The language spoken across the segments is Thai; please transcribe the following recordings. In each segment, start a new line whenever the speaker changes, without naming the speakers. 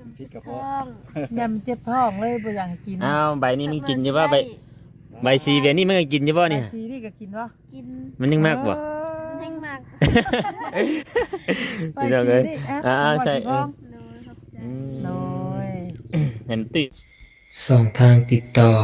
พิษกระ
ท้อ
เพาะ
ง
ยำเจ็บท้องเลยบ่อยากให้กิน
อ้าวใบนี้มันกินอยู่บ่ใบซีแบบนี้มันก็กินอยู่บ่เนี่ย
ใบชีนี่ก็กินบ่
กิน
มันยังมากบ่
แห้งมาก
ใบชีนี่
ใช่
โดยขอบใจ
โดย
เห็นติสองทางติดต่อ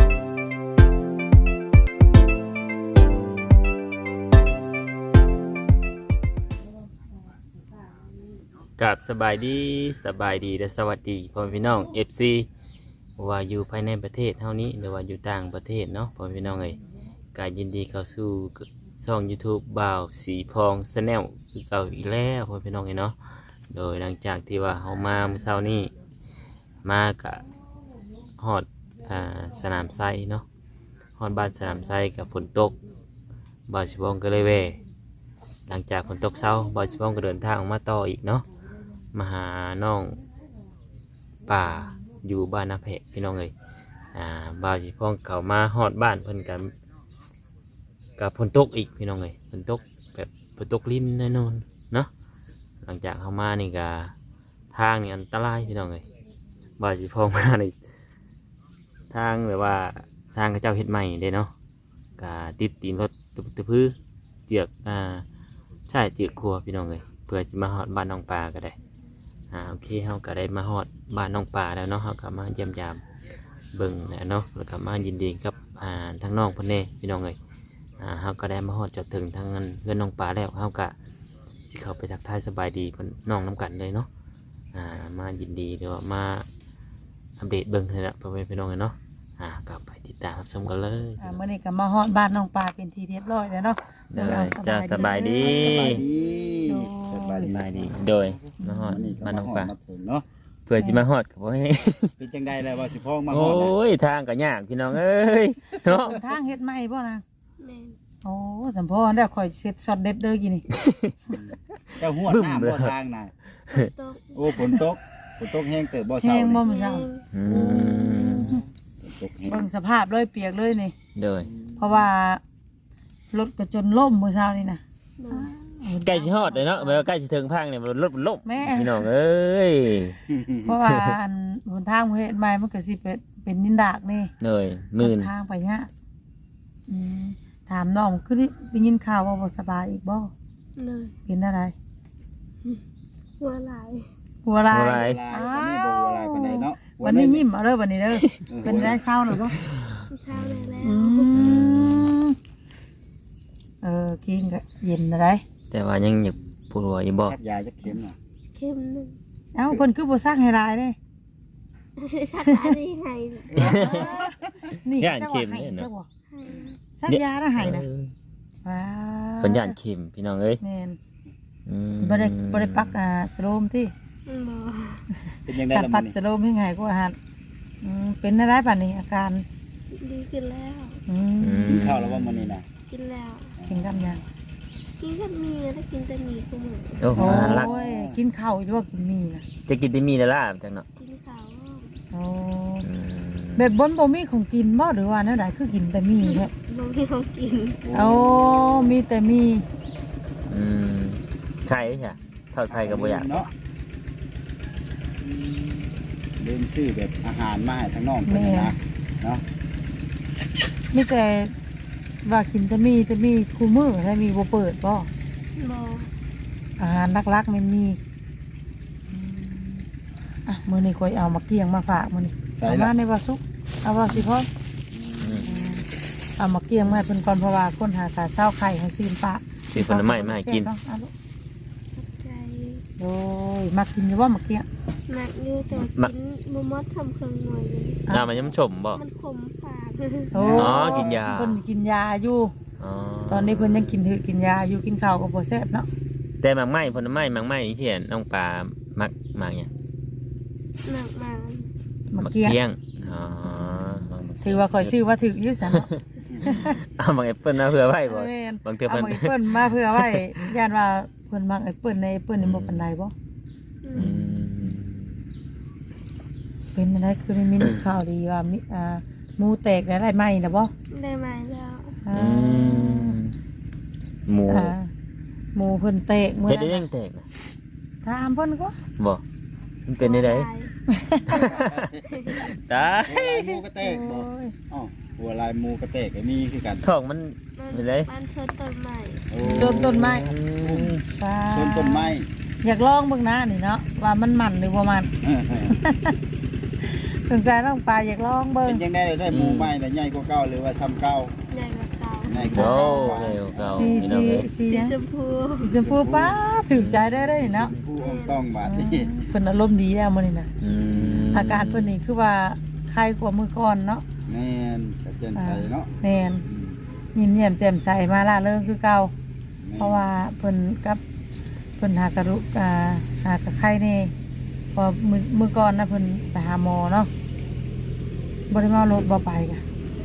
กับสบายดีและสวัสดีพ่อพี่น้อง FC ว่าอยู่ภายในประเทศเท่านี้หรือว่าอยู่ต่างประเทศเนาะพ่อพี่น้องเอ้ยการยินดีเข้าสู่ช่อง YouTube บ่าวสีพองชาแนลคือเก่าอีกแล้วพ่อพี่น้องเอ้ยเนาะโดยหลังจากที่ว่าเฮามาเมื่อเช้านี้มากะฮอดสนามไซเนาะฮอดบ้านสนามไซกับฝนตกบ่าวสีพองก็เลยแวะหลังจากฝนตกเช้าบ่าวสีพองก็เดินทางออกมาต่ออีกเนาะมาหาน้องป่าอยู่บ้านนาแพะพี่น้องเอ้ยบ่าวสีพองเข้ามาฮอดบ้านเพิ่นกันกับฝนตกอีกพี่น้องเอ้ยฝนตกแบบฝนตกลิ้นแน่นอนเนาะหลังจากเข้ามานี่ก็ทางนี่อันตรายพี่น้องเอ้ยบ่าวสีพองมาในทางแบบว่าทางเขาเจ้าเฮ็ดใหม่เด้เนาะก็ติดตีนรถตะพื้อเจือกใช่เจือกครัวพี่น้องเอ้ยเพื่อจะมาฮอดบ้านน้องปลาก็ได้โอเคเฮาก็ได้มาฮอดบ้านน้องปลาแล้วเนาะเฮาก็มาเยี่ยมยามเบิ่งแล้วเนาะแล้วก็มายินดีกับทั้งน้องเพิ่นแน่พี่น้องเอ้ยเฮาก็ได้มาฮอดจอดถึงทางเงินน้องปลาแล้วเฮาก็สิเข้าไปทักทายสบายดีเพิ่นน้องนํกันเลยเนาะมายินดีเดี๋ยวมาอัปเดตเบิ่งให้ละพ่อแม่พี่น้องเนาะกลับไปติดตามรับชมกันเลย
มื้อนี้ก็มาฮอดบ้านน้องปลาเป็นที่เรียบร้อยแล้วเนาะ
จ้าสบายดี
สบายดีสบาย
สบายดีโดยมาฮอดบ้านน้องปลา
มาถึงเนาะ
เพื่อจะมาฮอดกับว่า
เป็นจังใดแล้วว่าสิพ้องมาฮ
โอ้
อดเนี่ย
ยทางก็ยากพี่น้องเอ้ยเนาะ
ทางเฮ็ดใหม่บ่นะ
แม่น
โอ้สัมพอได้ข่อยเฮ็ดช็อตเด็ดเด้อกินนี่
เจ้าหัวหน้าบ่ทางน่ะ
ตก
โอ้ฝนตกแห้งเติบบ่
แห้
เช้าง
บ่
นี่
มื้อเช้า
อืม
ฝนตกแห้ง
เบิ่งสภาพเลยเปียกเลยนี่
โดย
เพราะว่ารถก็จนล่มมื้อเช้านี่นะ
โดย
ใกล้จะฮอดเลยเนาะแม้ว่าใกล้จะถึงพังเนี่ยรถมันล่ม
แม่
พี่น้องเอ้ย
เพราะว่าอันหนทางเฮ็ดใหม่มันก็สิเป็นดินดากนี่
โดยมื่น
ทางไปเนี่ยอืมถามน้องคือได้ยินข่าวว่าบ่สบายอีกบ่
เลย
เป็นอะไร
หัวไหลาย
หัวลา
อะไร
ย
วันนี้บ่เวลาปานใดเนาะ
วันนี้ยิ้มเอาเด้อวันนี้เด้อเป็นได้เศร้าหรือบ่
เช้าได้แล้ว
อืมกินก็เย็นอะไร
แต่ว่ายังอยากปวดหัวอยู่บ่
ชักยาจักเข็มน่ะ
เข้มหนึ่ง
เอ้าเพิ่นคือบ่ซักให้ลายเด้
ชักอันนี้ให้
นี่
ย่าน
จังห
เข็
วะ
ม
ให้
เนี่ย
จั
เนาะ
งหวะซักยาแล้วให้นะว้า
คนย่านเข็มพี่น้องเอ้ย
แม่น
อืม
บ่ได้ปักสโลมที่
บ่
เป็นจังได
การ
ล่ะ
ปั
มื้
ด
อนี้
สโลมให้ง่ายกว่าหันเป็นอะไรบัดนี้อาการ
ดีขึ้นแล้ว
อืม
กินข้าวแล้วว่ามื้อนี้น่ะ
กินแล้ว
กินกับหยัง
กินกับมีแล้วกินแต่มีกูเหมือน
โอ้โห
โอ้
น่ารัก
ยกินข้าวอยู่ว่ากินมีนะ
จะกินได้มีแล้วล่ะจังเนาะ
กินข้าว
โอ้
อืม
แบบบนบ่มีของกินบ่หรือว่าแนวใดคือกินแต่มีแท้
บ่มีของกิน
โอ้มีแต่มี
อืมไข่ใช่ทอดไข่กับบ่อยาก
เนาะลืมซื้อแบบอาหารมาให้ทั้งน้องเพิ่นน่ะนะเนาะ
มีแต่ว่ากินแต่มีคู่มือถ้ามีบ่เปิดบ่
บ่
อาหารหลักๆมันมีมื้อนี้ข่อยเอามาเกี่ยงมาฝากมื้อนี้
ใส่
เอา
ละ
มาในว่าสุกเอาว่าสิพ่อ
อืม
เอามาเกี่ยงมาให้เพิ่นก่อนเพราะว่าคนหาตาเช้าไข่ให้ซีนปะ
ซื้อผลไม้มาให้กิน
เนาะเอาลูก
ขอบใจ
โอ้ยมากินอยู่บ่มาเกี่ยง
หนักอยู่แต่ว่ากินบ่มดทำเครื่องหน่อยเลย
มันยังชมบ่
มันขมปาก
โอ้
กินยา
เพิ่นกินยาอยู่
อ๋อ
ตอนนี้เพิ่นยังกินยาอยู่กินข้าวก็บ่แซ่บเนาะ
แต่หมากไม้ผลไม้หมากไม้ที่เห็นน้องปลามักหมากเนี่ย
หนักมา
มาเกี่ยง
เกี้ยงอ๋อ
ถือว่าข่อยชื่อว่าถืออยู่ซะเนาะ
เอาบางแอปเปิ้ลมาเผื่อไว้บ่
แม่น
บางเทื่อ
เอา
เพิ่น
มาแอปเปิ้ลมาเพื่อไว้ย่านว่าเพิ่นมักแอปเปิ้ลในแอปเปิ้ลนี่บ่ปานใดบ่
อืม
เป็นอะไรคือมีข่าวดีว่ามีหมูแตกได้ไหมนะบ่
ได้มาแล้ว
อ่า
หมู
หมูเพิ่นเตะมื้อ
เฮ็ดได้
นั้
ยั
น
งแตกนะ
ถามเพิ่นก็
บ่มันเป็นได้ได
ตาย
ตาย
หัวลายหมูกระแตกบ่
โอ้ย
อ๋อหัวลายหมูกระแตกก็มีคือกัน
ท้องมัน
มัน
ไปเลย
มันชนต้นใหม่
โอ้
ชนต้นไม้ปลา
ชนต้นไม้
อยากลองเบิ่งนะนี่เนาะว่ามันมันหรือบ่มันสงสัยน้องปลาอยากลองเบิ่ง
เป็นจังได๋ได้หมูใหม่น่ะใหญ่กว่าเก่าหรือว่าซ้ำเก่า
ใหญ่กว่าเก่า
ใหญ่กว่า
โอ้
เก่า
เร็วเก่า
สี
พี่น้
สี
องเอ้ย
สี
สี
หยัง
ชมพู
สีชมพูป้าถึงใจได้เลยเนาะ
ผู้อมต้องบาดนี้
เพิ่นอารมณ์ดีแล้วมื้อนี้น่ะ
อืม
อาการเพิ่นนี่คือว่าคลายกว่ามื้อก่อนเนาะ
แม่นกระเจนใส่เนาะ
แม่นยิ้มแย้มแจ่มใสมาล่าเริงคือเก่าเพราะว่าเพิ่นกับเพิ่นหากระรุกหากระไข้แน่พอมื้อก่อนนะเพิ่นไปหาหมอเนาะบ่ได้เมารถบ่ไปกะ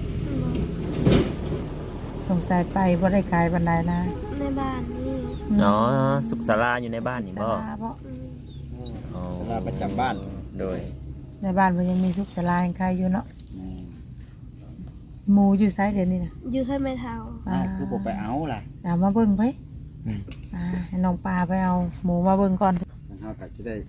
สงสัยไปบ่ได้ไกลปานใดนะ
ในบ้านนี่
อ๋อสุขศาลาอยู่ในบ้านนี่บ่
ศาลาบ่
อืม
อ๋อ
สลาประจำบ้าน
โดย
ในบ้านมันยังมีสุขศาลาให้ใครอยู่เนาะ
แม่น
หมู่อยู่ไสเดี๋ยวนี้น่ะ
ยื้อให้ไม่เท่า
คือบ่ไปเอาล่ะ
เอามาเบิ่งไปให้น้องปลาไปเอาหมูมาเบิ่งก่อน
ทางเฮาก็สิได้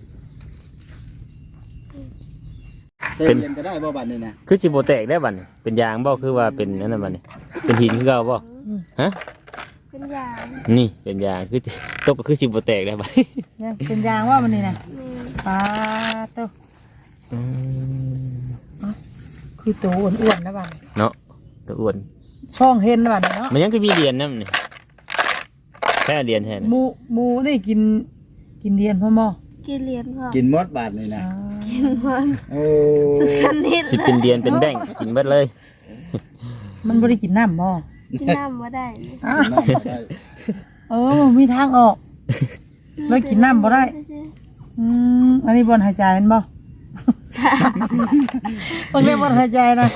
ใส่เรียนก็ได้บ่บัดนี้นะ
คือสิบ่แตกได้บัดนี้เป็นยางบ่คือว่าเป็นนั่นน่ะบัดนี้เป็นหินคือเก่าบ่ฮะ
เป็นยาง
นี่เป็นยางคือตกก็คือสิบ่แตกได้บัดนี้
ยังเป็นยางว่ามันนี่น่ะ
นี่
ปลาโต
อืม
คือตัวอ้วนๆนะบ้าน
เนาะตัวอ้วน
ช่องเห็นนะบ้านเนาะ
มันยังคือมีเหรียญนำนี่แค่เหรียญแท้
หมูนี่กินเดียนพ่อหมอ
กินเหรียญพ่อ
กินหมดบาดนี่นะ
กินมัน
โอ้
สนิท
สิเป็นเหรียญเป็นแบงค์กินเบิดเลย
มันบ่ได้กินน้ำบ่
กินน้ำมาได้นี่
อ้า
น้ำบ่ได้
มีทางออกเลยกินน้ำบ่ได้อันนี้บนหายใจเป็นบ่บนเรียกบนหายใจนะ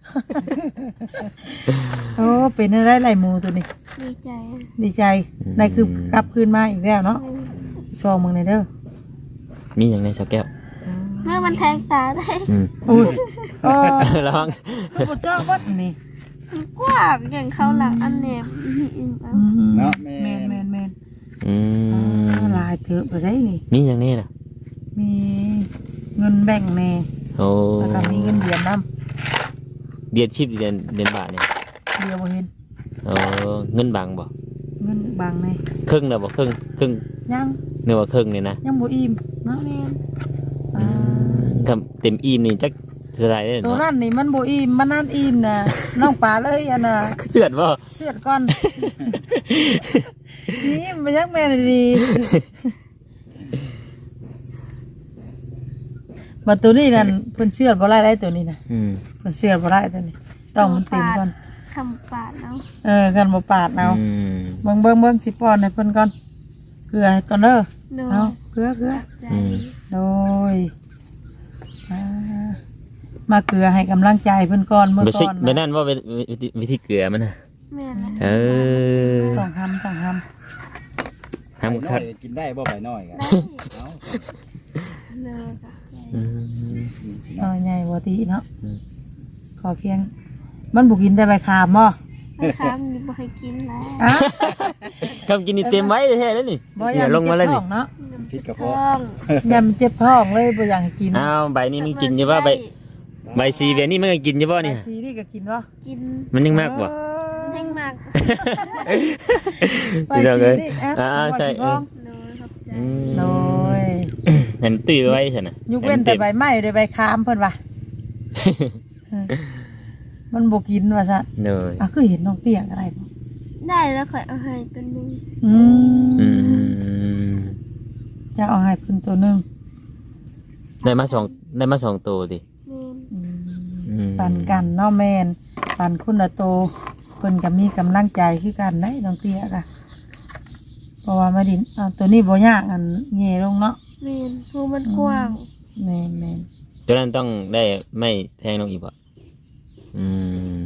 โอ้เป็นอะไรไหลหมูตัวนี้
ดีใจ
ดีใจได้คือกลับคืนมาอีกแล้วเนาะซองมึงในเด้อ
มีอย่างในสักแก้ว
เมื่อมันแทงตาได้
อืม
อุ้ยโอ้
ลอง
ลูกเจ้าวัดนี่
มันกว้างอย่างเขาหลังอันเนบนี่อินเอา
เนาะ
แม
แม่
นแมนแมน
อืม
ลายเถอะไปได้นี่
มีอย่างนี้น่ะ
มีเงินแบ่งแน่
โอ้
แล้วก็มีเงินเหรียญน้
เดือนชิปเดือนบาทเนี่ย
ำเดียวบ่เห็น
โอ้เงินบางบ่
เงินบางแน่
ครึ่งแล้วบ่ครึ่ง
ยัง
เนื้อว่าครึ่งเนี่ยนะ
ยังบ่อิ่มเนาะ
แม่น
อ่า
คำเต็มอิ่มนี่จักเท่าไหร่เด้
ตัว
เนาะ
นั้นนี่มันบ่อิ่มมันนั่นอิ่มนะน้องปลาเลยอันน่ะ
เจือดบ่
เสียดก่อนนี่มันยักแม่นดี บัดตัวนี้นั่นเพิ่นเชื่อดบ่ได้ตัวนี้น่ะ
อืม
เพิ่นเชื่อดบ่ได้ตัวนี้ ต้องมันเต็มก่อน
คำปาดเอา
กันบ่ปาดเอา
อืม
เบิ่งสิป้อนให้เพิ่นก่อนเกลือให้ก่อนเด้อ
โดย
เอาเกลือ
ใจ
โดยมาเกลือให้กำลังใจเพิ่นก่อนเมื่อ
ไม่ใช่
ก่อน
ไม่นั่นว่าวิธีเกลือมันน่ะ
แม่นนะ
เออ
ต้องทำ
ไป
ห้าม
น้
คั
อ
ด
ยกินได้บ่ไปน้อยกัน
ได้
เอ้า
เลยกับใจ
อืม
น้อยใหญ่บ่ติเนาะ
อืม
ขอเพียงมันบ่กินแต่ใบขามบ่
ไม่ค้ามนี่บ่ให้กินแล้ว
อ่ะ
คำกินนี่เต็มไว้แท้แล้วนี่
บ่อ
อย่
าก
ลงมาเลย
เจ็บ
นี่
ท้องเนาะ
พิษกระ
ท้
เพาะ
อง
ยามเจ็บท้องเลยบ่อยากให้กิน
อ้าวใบนี้มันกินอยู่ว่าใบซีเบียนี่มันก็กินอยู่บ่นี่
ใบชีนี่ก็กินบ่
กิน
มันยังมากกว่า
แห้งมาก
ใบชีนี่อ่ะ
ใช่
บ่สิลอง
เลยขอบใจ
อืม
โดย
เห็นตื้อไว้ใช่น่ะ
ยกเว้นแต่ใบไม้หรือใบคามเพิ่นว่ามันบ่กินว่าซะ
เนย
คือเห็นน้องเตี้ยอะไรบ่
ได้แล้วค่อยเอาให้ตัวหนึง
อืม
อืม
จะเอาให้เพิ่นตัวหนึง
ได้มาสองตัวดิ
แม่น
อืม
ปั่นกันเนาะแม่นปั่นคุณละโตเพิ่นก็มีกำลังใจคือกันได้น้องเตี้ยก็เพราะว่ามาดินตัวนี้บ่ยากอันแง่ลงเนาะ
แม่นหูมันกว้าง
แม่น
ตัวนั้นต้องได้ไม่แทงลงอีกบ่อืม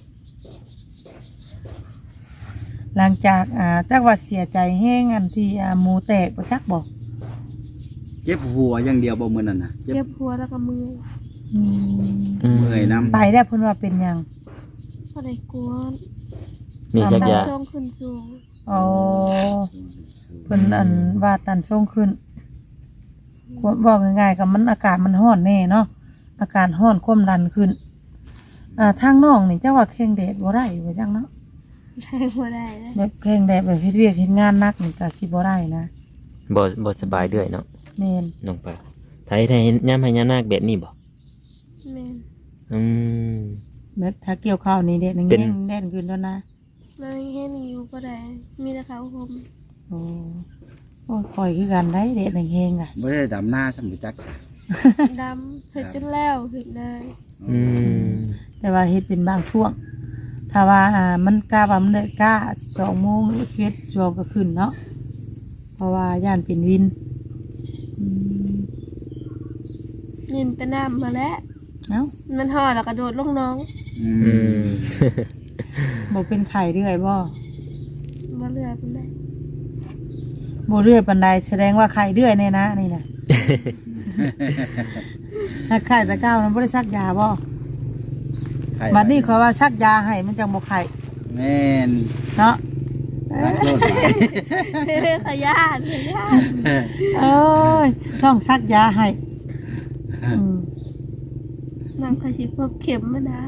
หลังจากจักว่าเสียใจแห้งอันที่หมูแตกบ่จักบ่
เจ็บหัวอย่างเดียวบ่มื้อนั้นน่ะ
เจ็บหัวแล้วก็มือ
เมื่อยน้ำ
ไปได้เพิ่นว่าเป็นหยัง
พอได้กลัว
มีชักยา
สูงขึ้นสูง
อ๋อเพิ่นอันว่าตันช่งขึ้นบอกง่ายๆกับมันอากาศมันร้อนแน่เนาะอากาศร้อนความดันขึ้นทางน้องนี่เจ้าว่าแข้งแดดบ่ได้ว่าจังเนาะ
ได้บ่ได้นะ
แบบแข้งแดดแบบเฮ็ดเวียกเฮ็ดงานหนักนี่ก็สิบ่ได้นะ
บ่สบายเรื่อยเนาะ
แม่น
น้องปลาไทยย้ำให้ย้ำหน้าแบบนี้บ่
แม่น
อืม
แบบถ้าเกี่ยวข้าวนี่แดด
เป็
แห้
น
งแดดขึ้นแล้วนะ
มันเห็นอยู่บ่ได้มีแต่เขาวห่ม
โอ้โอ้ยคอยคือกันได้แดดแห้งๆอ่ะ
บ่ได้ดำหน้าสมุจักซะ
ดำเฮ็ดจนแล้วเฮ็ดได้
อืม
แต่ว่าเฮ็ดเป็นบางช่วง ถ้าว่ามันกล้าว่ามันได้กล้า12 โมงหรือ11 ชั่วก็ขึ้นเนาะเพราะว่าย่านเป็นวินอืม
นินไปน้ำมาแล้ว
เอ้า
มันห่อแล้วก็โดดลงน้อง
อืม
บ่เป็นไข้เรื่อยบ่
บ่เลือดมันได้
บ่เรื่อยปานใดแสดงว่าไข้เรื่อยแน่นะนี่น่ะ ถ้าไข้ตะก้าวมันบ่ได้ซักยาบ่
ไข่
บัดนี้ขอยว่าซักยาให้มันจังบ่ไข้
แม่น
เนาะ
รักโลดหลาย
ขยาน
เอ้ยต้องซักยาให้อืม
น้ำขสิพวกเข็มมันนะ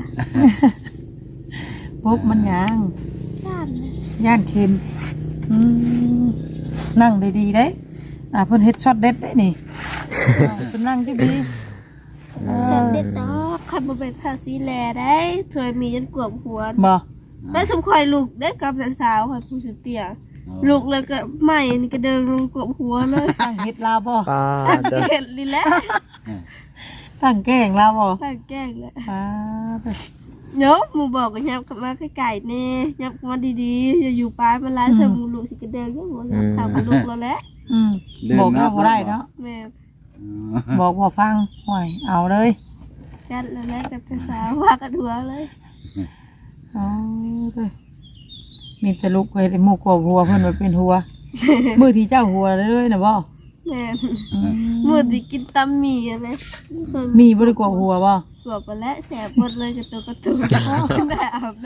พกมันหยัง
ย่านนะ
ย่านเค็มอืมนั่งดีๆเด้เพิ่นเฮ็ดช็อตเด็ดได้นี่เพิ่นนั่งดีๆ
เสร็จเด็ดดอกคันบ่เป็นภาษีแลได้ถวยมีจนกวบหัว
บ่
แล้วสมคอยลูกได้กับสาวค่ะผู้สิเตียลูกเลยก็ใหม่นี่ก็เดินลงกวบหัวเลย
ตั้งเฮ็ดลาวบ่
ปลา
ตั้ง
เด้อ
เกตลีแล้ว
ตั้งแกล้งลาวบ่
ตั้งแกล้งแล้ว
ป้าด
เนาะหมูบอกกันยับกลับมาไก่ๆแน่ยับมาดีๆอย่าอยู่ป้ามันร้ายเสมูลูกสิกระเดินก็หัวยับข่าวกับลูกเราแล้ว
อืมบอกว่าบ่ได้เนาะ
แม่
บอกบ่ฟังห่วยเอาเลย
จัดแล้วแหละกับสาวว่ากันหัวเลย
เอาเด้อมีแต่ลูกเฮ็ดให้หมู่กบหัวเพิ่นว่าเป็นหัว มื้อที่เจ้าหัวเลยน่ะบ่
แม่
อืม
มือที่กินตำหมี่อะไร
มีบ่ได้กบหัวบ่
กวบไปแล้วแสบหมดเลยกับตัวกระตุ้นได้อาบน้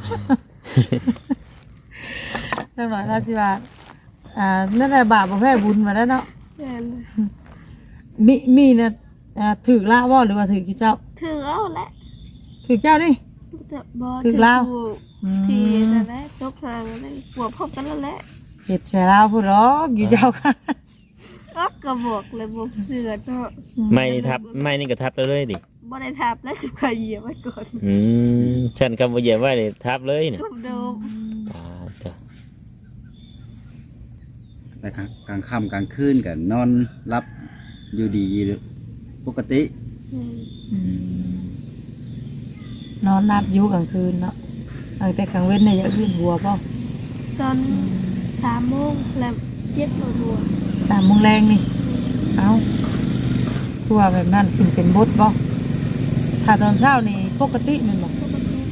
จังหน่อยราสิว่านั่นแหละบาปบ่แพ้บุญมาแล้วเนาะ
ำแม่
มีน่ะถูกละบ่หรือว่าถูกเจ้า
ถือเอาแหละ
ถูกเจ้าดิ
บอ
ถึงแล้ว
ที่นั่นแหละตกทางนั่นกวบพบกันแล้วแหละ
เฮ็ดใส่ลาวพุ่นหรอกอยู่เจ้าค่ะ
ก็กระบอกเลยบอกเสือเนาะ
ไม่นี่ทับไม่นี่ก็ทับเลยดิ
บ่ได้ทับแล้วสุขเหยียบไว้ก่อน
อืมฉันคำว่าเหยียบไว้เลยทับเลยเนี่ย
กบโดม
ปลาเด้อ
แต่กลางค่ำกลางคืนก็นอนรับอยู่ดีปกติ
นอนนับอยู่กลางคืนเนาะแต่กลางเว้นเนี่ยอยากขึ้นหัวป่ะ
ตอน3 โมงแล้ว7 โมงบัว
3 โมงแรงนี่เอาคือว่าแบบนั้นขึ้นเป็นบดป่ะถ้าตอนเช้านี่ปกติแมันบอก
ปกติ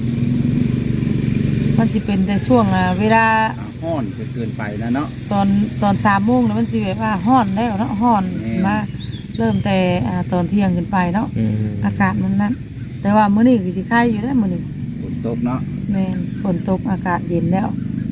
มันสิเป็นแต่ช่วงเวลา
ห้อนเกินไปนะเนาะ
ตอน3 โมงแล้วมันสิแบบว่าร้อนแล้วเนาะร้อน
แม่
มาเริ่มแต่ตอนเที่ยงขึ้นไปเนาะ
อืม
อากาศมันนั่นแต่ว่ามื้อนี้คือสิคายอยู่แล้วมื้อนี้
ฝนตกเนาะ
แม่นฝนตกอากาศเย็นแล้ว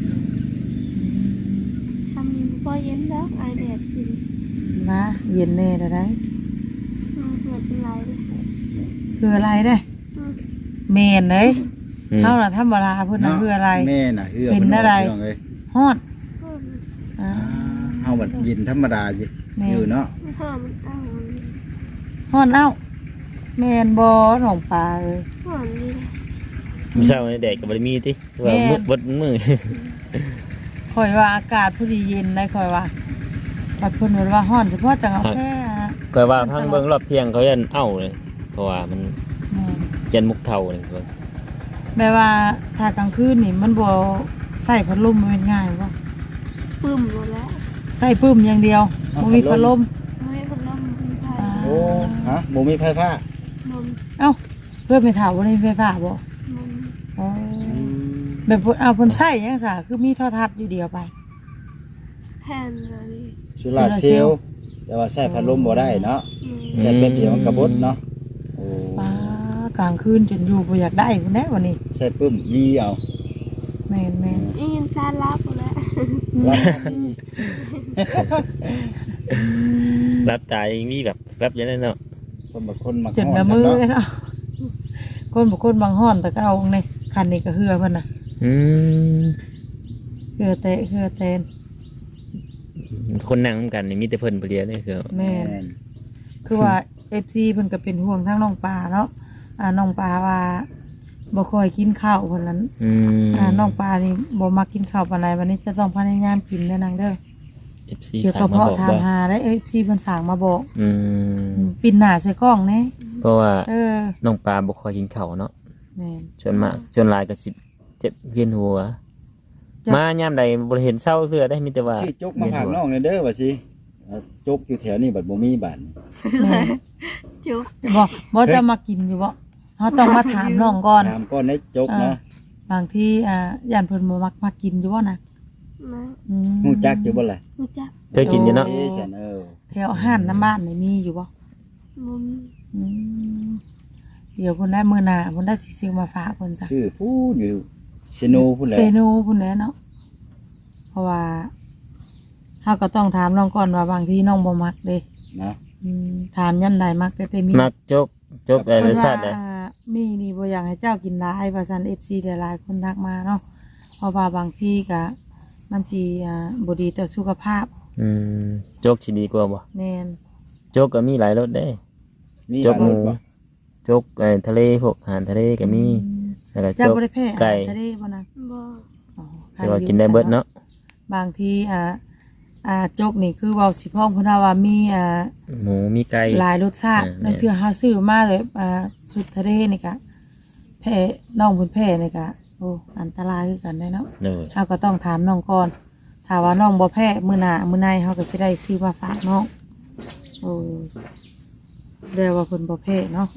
ช้ำนี้บ่เย็นแล้วไอแดดขึ้น
มาเย็นแน่ได้ได้
ไม่เป็นไรเลย
คืออะไรได้
อืม
แม่นเด้ย
อืม
เฮาน่ะธรรมดาเพิ่นน่ะคืออะไร
แม่น่ะเฮือ
เป็นอะไร
พิ่ว่าพี่น้งเอ้ย
ฮ้อน
อืม
เฮาบัดยินธรรมดาอยู่เนาะ
ถ้ามันอ้าว
ฮ้อนเอ้าแม่นบ่หนองปลาเอ้ย
ห่อนนี่นะ
ไม่ใช่วันแดดกับบริมีติว่า
แม่
มืดบดมือ
ข่อยว่าอากาศผู้ดีเย็นได้ข่อยว่าบัดเพิ่นว่าฮ้อนเฉพาะจังเอาแค่
ก็ว่าพังเบิ่งรอบเที่ยงเขายันเอ้าเลยเพราะว่ามัน
แม่น
ยันมุกเท่าเลยเบิ่ง
แม่ว่าถ้ากลางคืนนี่มันบ่ใส่พัดลมมันเป็นง่ายบ่
ปึ้มหมดแล้ว
ใส่ปึ้มอย่างเดียวบ่มีพัดลม
ไม่พัดลมมีไฟ
โอ้ฮะบ่มีไฟฟ้า
นม
เอ้าเพื่อนไปถามว่าในไฟฟ้าบ่
นม
อ๋อแบบเอาเพิ่นใช้จังซ่คือมีโทรทัศน์อยู่เดียวไป
แผ่นอะไร
โซลาร์เซลล์แต่ว่าใช้พัดลมบ่ได้เนาะ
อืม
ใช้แป๊บเดียวมันก็บดเนาะโอ้
ป้ากลางคืนจนอยู่บ่อยากได้พุ่นแน่วันนี้
ใช้ปึ้มมีเอา
แม่น
อีนซาลาบหมดแล้ว
รับ
รับตายังมีแบบแวบอย่างนั้นเนาะ
คนบางคนมา
จนละมือเนาะคนบ่คนบางห้อนแต่ก็เอาในคันนี้ก็เหือเพิ่นน่ะ
อืม
เหือเตะเหือเตน
คนนั่งนำกันนี่มีแต่เพิ่นผู้เดียวนี่คือ
แม่นคือว่า FC เพิ่นก็เป็นห่วงทั้งน้องปลาเนาะน้องปลาว่าบ่ค่อยกินข้าวเพิ่นนั้น
อืม
น้องปลานี่บ่มักกินข้าวปานใดวันนี้จะต้องพยายามกินเด้อนางเด้อ
FC
เดี๋ยว
ฝาก
ก็
มา
เพาะ
บอก
ถาม
ว่า
หาได้ FC เพิ่นฝากมาบอก
อืม
ปิ่นหน้าใส่กล้องแน่
เพราะว่า
เออ
น้องปลาบ่ค่อยกินข้าวเนาะ
แม่น
จนมากจนหลายก็สิเจ็บเวียนหัว
จ้ะ
มายามใดบ่ได้เห็นเศร้าเทื่อได้มีแต่ว่า
ชื่อจกมาผักน้องเด้อว่าสิจกอยู่แถวนี้บัดบ่มีบ้าน
แม่น
จุก
บ่จะมากินอยู่บ่เฮาต้องมาถามน้องก่อน
ถามก้อนได้จกเนาะ
บางทีย่านเพิ่นบ่มักมากินอยู่บ่นะ
นะ
อืม
ฮู้จักอยู่บ่ล่ะ
รู้จัก
เคยกินอยู่เนาะ
ฉัน
แถวห้านน้ำบ้านนี่มีอยู่บ่
มุม
อืมเดี๋ยวเพิ่นได้มื้อหน้าเพิ่นได้สิซื้อมาฝากเพิ่นซะ
ชื่อผู้อยู่เชโนพุ่นแหละ
เซโนพุ่นแหละเนาะเพราะว่าเฮาก็ต้องถามน้องก่อนว่าบางทีน้องบ่มักเด้
นะ
ถามยามใดมักแต่มี
มักจกอะไรรสชาติได้
มีนี่บ่อยากให้เจ้ากินหลายว่าซั่น FC หลายๆคนทักมาเนาะเพราะว่าบางทีก็มันสิบ่ดีต่อสุขภาพ
อืมจกสิดีกว่าบ่
แม่น
จกก็มีหลายรสได้
มี
จ
ห
ก
ลาย
ห
ร
มู
สบ่
จกทะเลพวกอาหารทะเลก็มีแล้วก็
เจ้า
จก
บ่ได้แพ้อา
ไก่
หารทะเลบ่นะ
บ่
อ๋อ
แต่ว่ากินได้เบิดเนาะ
บางทีจกนี่คือเว้าสิพ้องเพิ่นว่ามี
หมูมีไก่
หลายรสชาติ
อ่า
นั่นคือเฮาซื้อมาเลยสุดทะเลนี่ก็แพ้น้องเพิ่นแพ้นี่ก็โอ้อันตรายคือกันได้เนาะ
เลย
เฮาก็ต้องถามน้องก่อนถ้าว่าน้องบ่แพ้มื้อหน้ามื้อในเฮาก็สิได้ซื้อมาฝากน้องโอ้เรียกว่าเพิ่นบ่แพ้เนาะ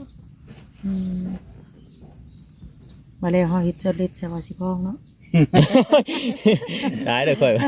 มาแล้วเฮาเฮ็ดจดลิสต์ใช่ว่าสิพ้องเนาะ
ตายเลยค่อย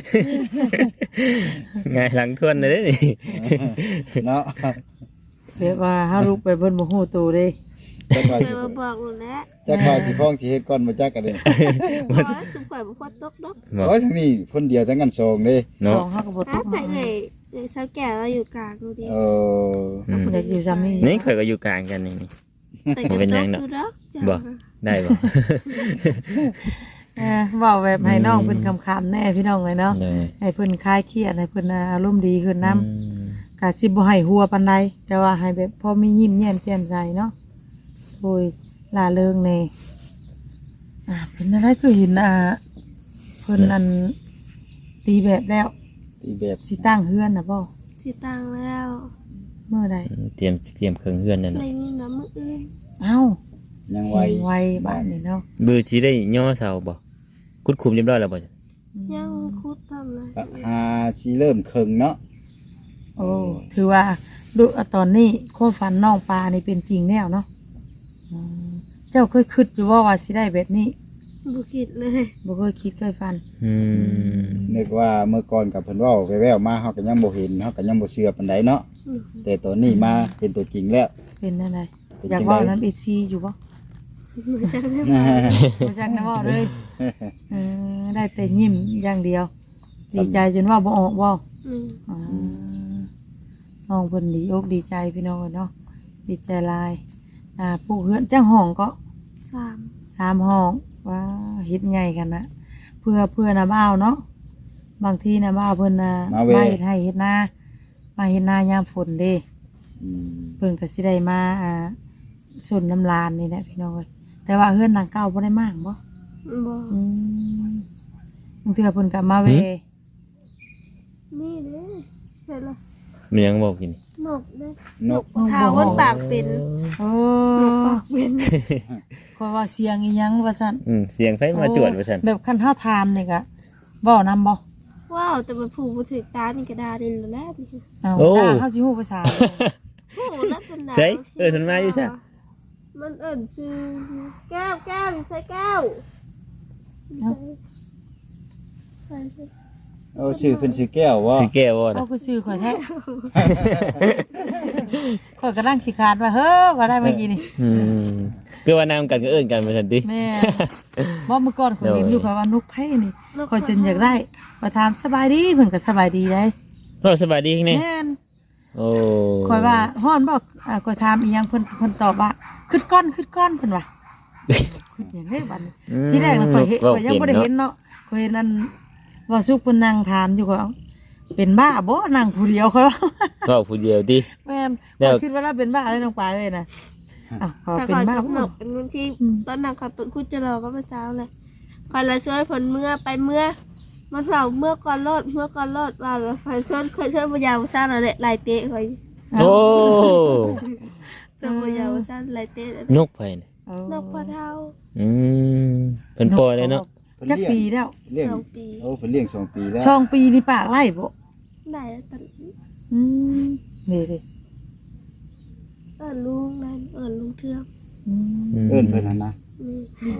ไงหลังทวนเลยนี่
เนาะ
เรียกว่าเฮาลุกไปเพิ่นบ่ฮู้ตัวเด้
จักว่า
เค
สิ
ยมาบอกหนูแล้ว
จักว่าสิพ้องสิเฮ็ดก่อนบ่จักกันเด้
บอกแล้วสุขข่อยบ่พอตกดอก
บอก
โอ้ยทั้งนี้คนเดียวทั้งกันสองเด้
ส
เนาะ
องเฮาก็บ่ต
อ้าว
ก
แต่
มา
เลยเช้าแก่เราอยู่กลางดูดิ
เออ
อืม
อยากอยู่ซ้ำนี่
นี่ข่อยก็อยู่กลางกันนี่
แต่ก็
เป็น
ต
ยั
ก
งเนาะ
ดูดอกจ้ะ
บ่ ได้บ่
เว้าแบบให้น้องเพิ่นคำๆแน่พี่น้องเลยเนาะ
เลย
ให้เพิ่นคลายเครียดให้เพิ่นอารมณ์ดีขึ้นนำ
อืม
กะสิบ่ให้หัวปานใดแต่ว่าให้แบบพอมียิ้มแย้มแจ่มใสเนาะโอ้ยล่าเริงแน่เป็นอะไรก็เห็นเพิ่นอันตีแบบแล้ว
ที่แบบ
สิตั้งเฮือนน่ะบ่
สิตังแล้ว
เมื่อใด
เตรียมเครื่องเฮือนนั่น
ใน
น่ะ
นี้น้ำมืออื่น
เอ้า
ยัง
ไว
ไว
บ้านนี่เนาะ
บือสิได้ย่อเสาบ่คุดคุมเรียบร้อยแล้วบ่
ยังคุดทำเลย
ก็หาสิเริ่มครึ่งเนาะ
โอ้ถือว่าดูตอนนี้ความฝันน้องปลานี่เป็นจริงแล้วเนาะอืมเจ้าเคยคิดอยู่ว่าสิได้แบบนี้
บุคิดเลย
บ่เคยคิดเคยฝัน
อืม
นึกว่าเมื่อก่อนกับเพิ่นเว้าแว่วๆมาเฮาก็ยังบ่เห็นเฮาก็ยังบ่เชื่อปานใดเนาะแต่ตอนนี้มาเห็นตัวจริงแล้ว
เป็นอะไร
เป็น
อยาก
จัง
เว่า
ใด
น้ำ FC อยู่บ่
ไม่ใช่ไหม
บ่จักนะเว่าเลยได้แต่ยิ้มอย่างเดียว ดีใจจนเว่าบ่ออกบ่
อืม
อ่าน้องเพิ่นดีอกดีใจพี่น้องเนาะดีใจหลายปลูกเฮือนจังห้องก็
3
3ห้องว้าเฮ็ดใหญ่กันนะเพื่อนะบ่าวเนาะบางทีนะบ่าวเพิ่นมาเฮ็ดให้เฮ็ดนามาเฮ็ดนายามฝนเด้
อืม
เพิ่นก็สิได้มาส่วนน้ำลานนี่แหละพี่น้องเอ้ยแต่ว่าเฮือนหลังเก่าบ่ได้มากบ่
บ่
บางเทื่อเพิ่นก็มาเว
นี่เด้เห็นละ
มันยังบอกกิน
นกเด้
นก
เท้าวันปากเป็น
โอ้
นกปากเป็น
ขอยว่าเสียงอีหยังว่าซั่น
เสียงไฟมาจวดว่าซั่น
แบบคันเฮาถามนี่ก็เว้านำบ่
ว้าวแต่มันผูกบ่ถึกตานี่ก็ดาดินแล้วนี่
เอ้าด่าเฮาสิฮู้ภาษา
โอ้แล้วเป็นดา
ใช่เพิ่นมาอยู่ใช่
มันเอิ่นชื่อแก้วอยู่ใส่แก้วใส่
เอาชื่อเพิ่นชื่อแก้วบ่
สิแก้วบ่
เอา
น่ะ
คือชื่อข่อยแท้ข่อยกำลังสิขาดว่าเฮ้อว่าได้เมื่อกี้นี่
คือว่านำกันก็เอิ้นกันว่าซั่นติ
แม่บ่เมื่อก่อนข่อยเห็นอยู่ข่อยว่านุกไผนี่ข่อยจนอยากได้ข่อยถามสบายดีเพิ่นก็สบายดีได้
เราสบายดีแน่
แม่น
โอ้
คอยว่าฮ้อนบ่คอยถามอีหยังเพิ่นตอบว่าขึ้นก้อนเพิ่นว่าขึ้นหยังได้บัดนี้ที่แรกน่ะข่อยยังบ่ได้เห็นเนาะข่อยเห็นอันว่าสุกเพิ่นนั่งถามอยู่ก็เอ้าเป็นบ้าบ่นั่งผู้เดียวข่อยว่า
เว้าผู้เดียวดิ
แม่น
แล้ว
ข้อยคิดว่าเราเป็นบ้าเลยน้องปลายเลยนะอ้าวพอ
แต่
เป็น
คอย
บ้า
กับหน
บ่
กเป็นวันที่ตอนนั้นคอยเป็นคุจะรอก็มาเช้าเลยคอยละช่วยผลเมื่อไปเมื่อมันเผาเมื่อก่อนรถว่าแล้วคอยช่วยพยาวซ่าเราเลยลายเตะคอย
โอ้
ช่วยพยาวซ่าลายเตะ
นกไปน่ะ
เออน
กพะเทา
อืมเพิ่นปล่อยเลยเนาะ
จักปีแล้ว
เลี้ยง
2 ปี
โอ้เพิ่นเลี้ยง2 ปีแล้ว
ช่องปีนี่ปากไล่บ่
ได้แล้วตอน
อืมนี่ดิ
ลุงนั่นลุงเทือก
อืม
เอิ้นเพิ่นหั่นนะ
นี่
โอ้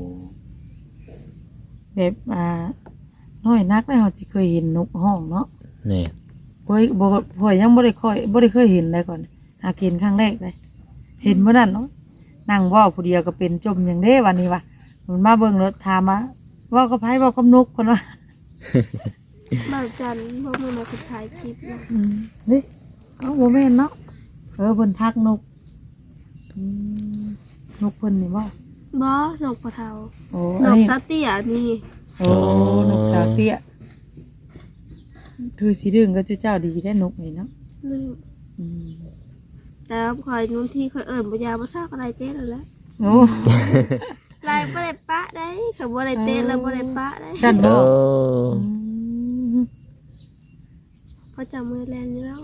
แบบน้อยนักแล้วเฮาสิเคยเห็นนกห้องเนาะ
นี่
บ่ยังบ่ได้เคยเห็นเลยก่อนหากินครั้งแรกเลยเห็นบ่นั่นเนาะนั่งเว้าผู้เดียวก็เป็นจมหยังเด้วันนี้วะมันมาเบิ่งรถถามมาเว้ากับไผเว้ากับนกเพิ่นว่า
มาจันเพราะมันมาสุดท้ายคลิปนะ
นี่เอาโมเมนเนาะเพิ่นทักนกนกเพิ่นนี่ว่า
บอนกพะเทา
โอ้
น
อัน
ก
นี้
ซาเตียนี่
โอ้นกสาวเตี้ยคือสีเรื่องก็เจ้าดีได้นกนี่เนาะ
ลืม
อืม
แต่คอยนู้นที่คอยพยาวมาซากอะไรเต้แล้วแหละ
โอ้
ลายบ่ได้ปะได้เขาบ่ได้เต้แล้วบ่ได้ปะได้
กัน
โอ้
บ่อืม
เพราะจำมือแลนอยู่แล้ว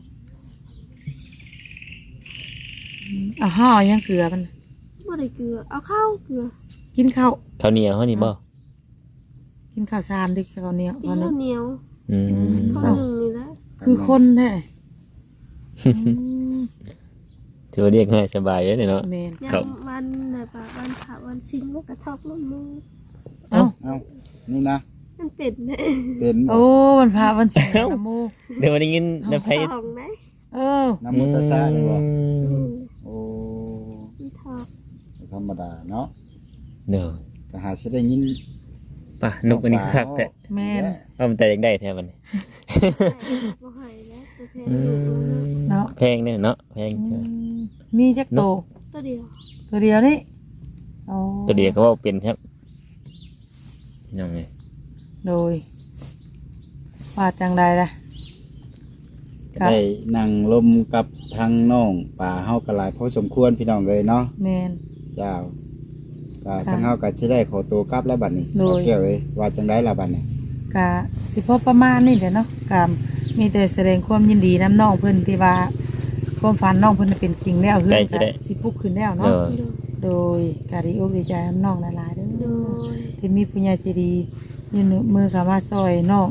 ห่อยังเกลือมัน
บ่ได้เกลือเอาข้าวเกลือ
กินข้าว
ข้าวเหนียวเฮานี่บ่
กินข้าวสารดิข้าวเหนียว
ที่
วัน
ข้า
นั้
วน เหนียว
อืม
ข้าวหนึ่งนี่แหละ
คือคนแท้อืม
ถือว่าเรียกง่ายสบายเลยเนาะ
แม่น
ยั
ครับ
งวันไหนปะวันพระวันสิงมันกระทบลงมือ
เอ้า
เอ้านี่นะ
มันเป็ดเนี่ย
เป็นบ่
โอ้วันพระวันศีลนะโม
เดี๋ยววันนี้ยินนะไผ
ทองไหม
เออ
น้ำมุตสาเลยบ่
นี่
โอ้
มันทอง
ธรรมดาเนาะ
เด้อ
ก็หาสิได้ยิน
ป่ะนกอันนี้คักแต่
แม่น
ว่ามันแต่ยังได้แท้มันนี่
บ่ให้แล้วตัวแทน
อื
ลูกมัน
ม
เนาะ
แพงเนี่ยเนาะแพงใช่ไหม
มีจักโต
ตัวเดียว
ตัวเดียวนี่โอ้
ตัวเดียวก็ว่าเป็นครับยังไง
โดยว่าจังใดล่ะครับ
ได้นั่งลมกับทางน้องป่าเฮาก็หลายพอสมควรพี่น้องเลยเนาะ
แมน
เจ้าก็
ค่ะ
ทางเฮาก็สิได้ขอตัวกลับแล้วบัดนี้
โดย
สาวแก้วเอ้ยว่าจังได๋ล่ะบัดนี้
กะสิพอประมาณนี่เดี๋ยวเนาะกะมีแต่แสดงความยินดีน้ำน้องเพิ่นที่ว่าความฝันน้องเพิ่นเป็นจริงแล้วเฮือนก็สิปลุกขึ้นแล้ว
เอ
เนาะ
อ
โดยกะดีอกดีใจน้ำน้องหลายๆเด้
โด
อย ที่มีปุญญาใจดียืนมือเข้ามาซอยน้อง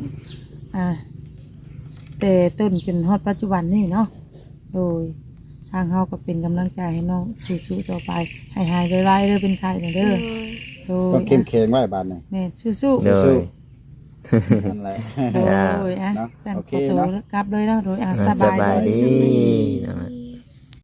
แต่ต้นจนฮอดปัจจุบันนี่เนาะโดยทางเฮาก็เป็นกำลังใจให้น้องสู้ๆต่อไปให้หายไวๆเด้อเป็นไข้เด้อ
โดย
โดย
ต้องเข้มแข็งไว้บัดนี้
แม่สู้ๆ
เด้อ
สู้ นั่นแหละ
โดยอ่ะ
เนาะ
จัน
โอ
ข
เค
อตัว
เนาะ
กลับเลยเนาะโดย
อ่า
ส
ส
บาย
บาย
ดี
ดี